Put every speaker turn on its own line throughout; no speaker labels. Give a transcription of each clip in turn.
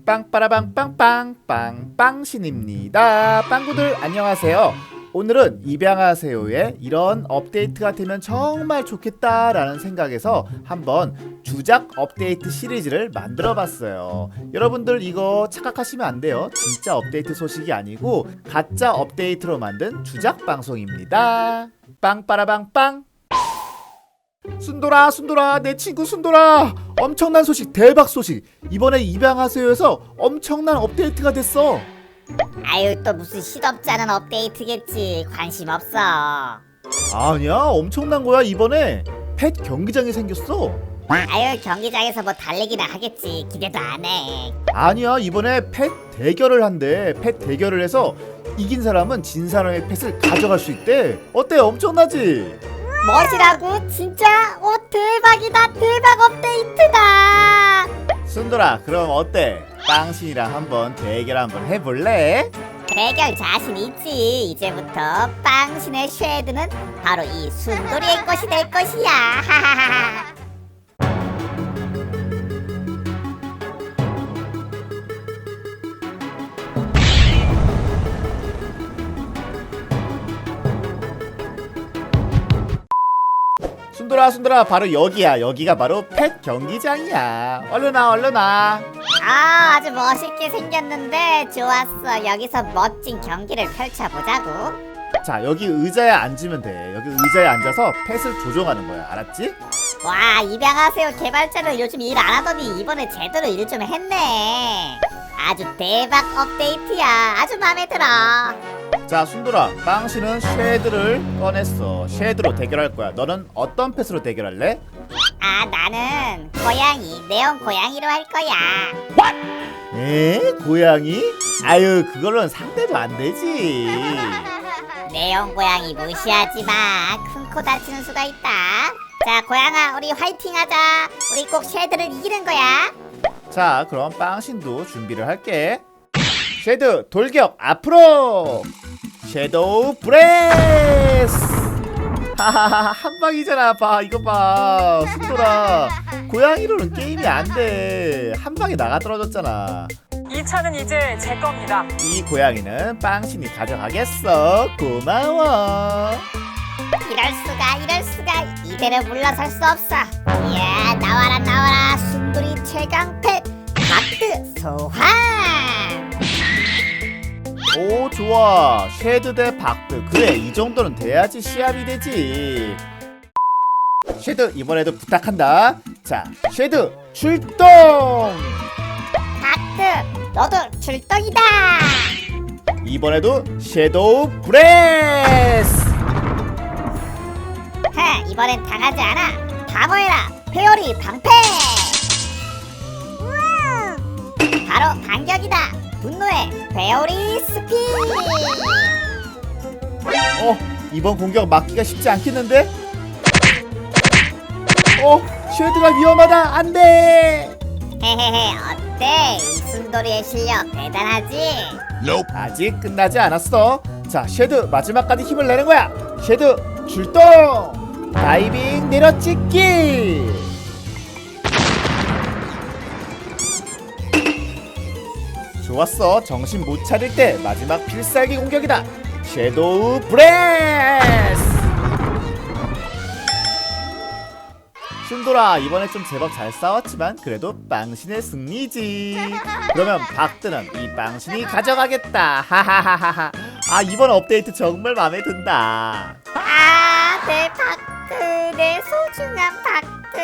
빵빠라빵빵빵빵 빵신입니다. 빵구들 안녕하세요. 오늘은 입양하세요에 이런 업데이트가 되면 정말 좋겠다라는 생각에서 한번 주작 업데이트 시리즈를 만들어 봤어요. 여러분들 이거 착각하시면 안 돼요. 진짜 업데이트 소식이 아니고 가짜 업데이트로 만든 주작 방송입니다. 빵빠라빵빵. 순돌아 내 친구 순돌아, 엄청난 소식, 대박 소식. 이번에 입양하세요에서 엄청난 업데이트가 됐어.
아유, 또 무슨 시덥잖은 업데이트겠지. 관심 없어.
아니야, 엄청난 거야. 이번에 펫 경기장이 생겼어.
아유, 경기장에서 뭐 달리기나 하겠지. 기대도 안 해.
아니야, 이번에 펫 대결을 한대. 펫 대결을 해서 이긴 사람은 진 사람의 펫을 가져갈 수 있대. 어때? 엄청나지?
멋이라고? 진짜? 오, 대박이다. 대박 업데이트다.
순돌아, 그럼 어때? 빵신이랑 한번 대결 한번 해볼래?
대결 자신 있지. 이제부터 빵신의 쉐드는 바로 이 순돌이의 것이 될 것이야. 하하하하.
순돌아, 바로 여기야. 여기가 바로 펫 경기장이야. 얼른 와.
아, 아주 멋있게 생겼는데 좋았어. 여기서 멋진 경기를 펼쳐보자고.
자, 여기 의자에 앉으면 돼. 여기 의자에 앉아서 펫을 조종하는 거야. 알았지?
와, 입양하세요 개발자를 요즘 일 안 하더니 이번에 제대로 일 좀 했네. 아주 대박 업데이트야. 아주 마음에 들어.
자, 순돌아, 빵씨는 쉐드를 꺼냈어. 쉐드로 대결할 거야. 너는 어떤 펫으로 대결할래?
아, 나는 고양이, 네온 고양이로 할 거야.
에? 고양이? 아유, 그걸로는 상대도 안 되지.
네온 고양이 무시하지 마. 큰 코 다치는 수가 있다. 자, 고양아, 우리 화이팅하자. 우리 꼭 쉐드를 이기는 거야.
자, 그럼 빵신도 준비를 할게. 쉐드 돌격 앞으로. 섀도우 브레스. 하하하, 한 방이잖아. 봐, 이거 봐. 순돌아, 고양이로는 게임이 안 돼. 한 방에 나가 떨어졌잖아.
이 차는 이제 제 겁니다.
이 고양이는 빵신이 가져가겠어. 고마워.
이럴 수가. 이대로 물러설 수 없어. 이야, 나와라. 순돌이 최강 펫 박드 소환.
오, 좋아. 쉐드 대 박드. 그래, 이 정도는 돼야지 시합이 되지. 쉐드, 이번에도 부탁한다. 자, 쉐드 출동.
박드, 너도 출동이다.
이번에도 섀도우 브레스.
이번엔 당하지 않아. 방어해라, 페어리 방패. 바로 반격이다. 분노의 페어리 스피.
이번 공격 막기가 쉽지 않겠는데? 쉐드가 위험하다. 안 돼.
헤헤헤, 어때? 이 순돌이의 실력 대단하지?
아직 끝나지 않았어. 자, 쉐드 마지막까지 힘을 내는 거야. 쉐드 출동. 다이빙 내려찍기. 좋았어. 정신 못 차릴 때 마지막 필살기 공격이다. 섀도우 브레스. 순돌아, 이번에 좀 제법 잘 싸웠지만 그래도 빵신의 승리지. 그러면 박드는 이 빵신이 가져가겠다. 하하하하하. 아, 이번 업데이트 정말 마음에 든다.
아, 내 박드, 내 소중한 박드.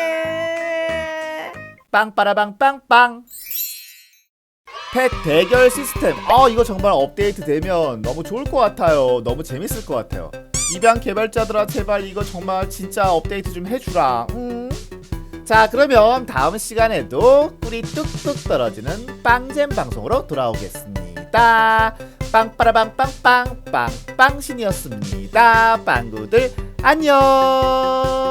빵빠라빵빵빵. 펫 대결 시스템. 이거 정말 업데이트 되면 너무 좋을 것 같아요. 너무 재밌을 것 같아요. 입양 개발자들아, 제발 이거 정말 진짜 업데이트 좀 해주라. 자, 그러면 다음 시간에도 꿀이 뚝뚝 떨어지는 빵잼 방송으로 돌아오겠습니다. 빵빠라빵빵빵 빵빵신이었습니다. 빵구들 안녕.